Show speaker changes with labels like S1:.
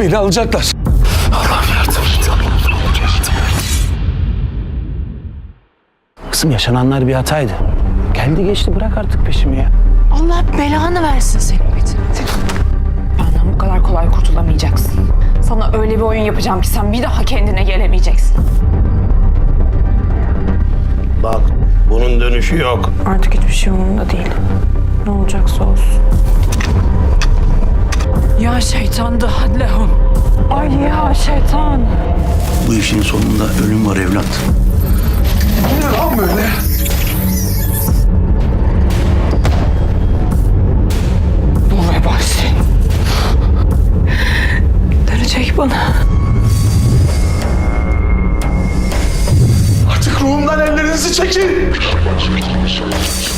S1: Beni alacaklar. Allah'ım yardım et.
S2: Kızım yaşananlar bir hataydı. Geldi geçti, bırak artık peşimi ya.
S3: Allah belanı versin senin Metin. Benden bu kadar kolay kurtulamayacaksın. Sana öyle bir oyun yapacağım ki sen bir daha kendine gelemeyeceksin.
S4: Bak, bunun dönüşü yok.
S3: Artık hiçbir şey umurumda değil. Ne olacaksa olsun. Ya şeytan da hadlehum. Ay ya şeytan.
S4: Bu işin sonunda ölüm var evlat.
S1: Bu ne lan böyle?
S3: Bu vebal senin. Dönecek bana.
S1: Artık ruhumdan ellerinizi çekin.